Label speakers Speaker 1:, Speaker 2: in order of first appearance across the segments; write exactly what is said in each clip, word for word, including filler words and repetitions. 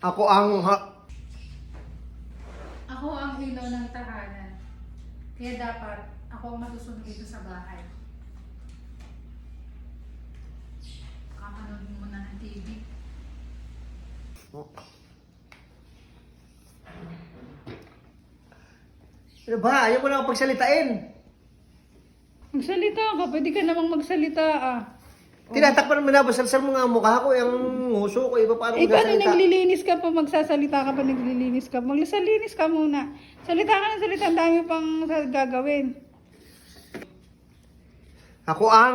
Speaker 1: Ako ang... Ha
Speaker 2: Ako ang ilaw ng tahanan. Kaya dapat ako ang masusunod dito sa bahay. Kakanood mo na ng T V.
Speaker 1: Ano ba? Ayaw mo na akong pagsalitain.
Speaker 2: Magsalita ka. Pwede ka namang magsalita ah.
Speaker 1: Tinatakpan mo na, basalsal mo nga ang mukha ko, yung nguso ko, iba paano
Speaker 2: Eh, paano
Speaker 1: magsasalita?
Speaker 2: naglilinis ka pa, magsasalita ka pa, naglilinis ka? Magsalinis ka muna. Salita ka ng salita, ang dami pang gagawin.
Speaker 1: Ako ang...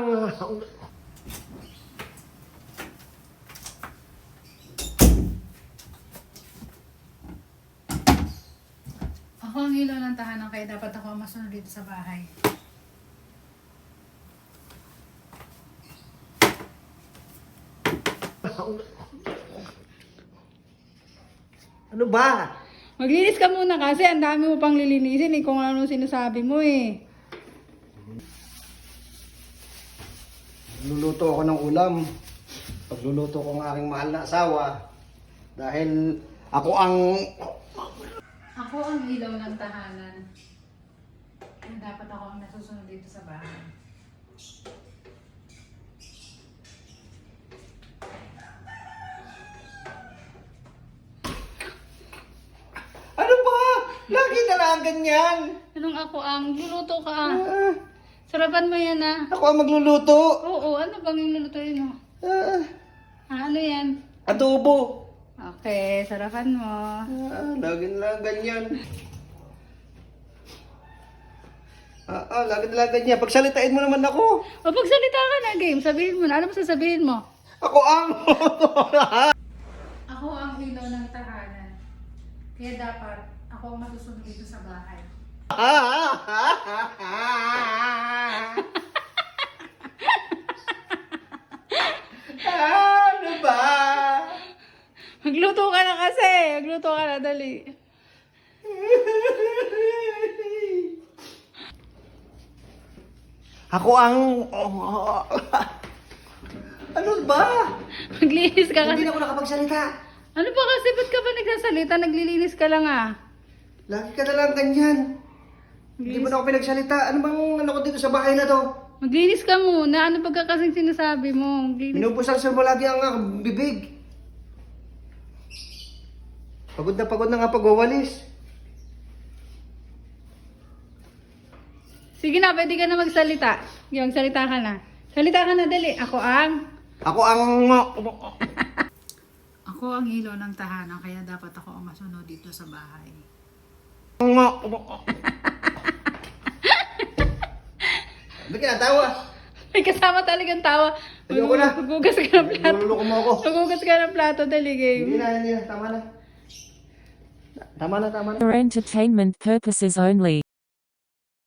Speaker 2: Ako ang ilaw ng tahanan, kaya dapat ako ang masunod dito sa bahay.
Speaker 1: Ano ba?
Speaker 2: Maglinis ka muna kasi ang dami mo pang lilinisin eh, kung ano sinasabi mo eh.
Speaker 1: Luluto ako ng ulam. Pagluluto ko ng aking mahal na asawa. Dahil ako ang...
Speaker 2: Ako ang ilaw ng tahanan. Kaya dapat ako ang nasusunod dito sa bahay.
Speaker 1: Ano ba? Lagi na lang ganyan.
Speaker 2: Anong ako ang? Luluto ka ah.
Speaker 1: Ah,
Speaker 2: Sarapan mo yan ah.
Speaker 1: ako ang magluluto.
Speaker 2: Oo, ano bang yung lulutuin mo?
Speaker 1: Ah,
Speaker 2: Ah, ano yan?
Speaker 1: adobo.
Speaker 2: Okay, sarapan mo.
Speaker 1: Ah, lagi na lang ganyan. Ah, ah, lagi na lang ganyan. Pagsalitain mo naman ako.
Speaker 2: O pagsalita ka na, game. Sabihin mo na. Ano mo sasabihin mo?
Speaker 1: Ako ang...
Speaker 2: Ako ang ilaw ng tahanan. Kaya dapat ako ang masusunod dito sa bahay.
Speaker 1: Ano ba?
Speaker 2: Magluto ka na kasi. Magluto ka na, dali.
Speaker 1: Ako ang... Ano ba?
Speaker 2: Maglinis ka kasi.
Speaker 1: Hindi na ako nakapagsalita.
Speaker 2: Ano ba kasi? Ba't ka ba nagsasalita? Naglilinis ka lang ah.
Speaker 1: Lagi ka na lang ganyan. Hindi mo na ako pinagsalita. Ano bang ano ko dito sa bahay na to?
Speaker 2: Maglinis ka muna. Ano ba ka kasing sinasabi mo? Maglinis.
Speaker 1: Minupusal mo lagi ang ah, bibig. Pagod na pagod na nga pagwawalis.
Speaker 2: Sige na, pwede ka na magsalita. Yung salita ka na. Salita ka na, dali. Ako ang...
Speaker 1: Ako ang...
Speaker 2: Ako ang ilaw ng tahanan, kaya dapat ako ang masunod dito sa bahay.
Speaker 1: Ba't ka natawa?
Speaker 2: May kasama talagang tawa.
Speaker 1: Ayoko na.
Speaker 2: Magugas ka ng plato.
Speaker 1: Niluloko mo ako.
Speaker 2: Magugas ka ng plato, dali game.
Speaker 1: Hindi na, hindi na. Tama na. Tama na, tama na.
Speaker 3: For entertainment purposes only.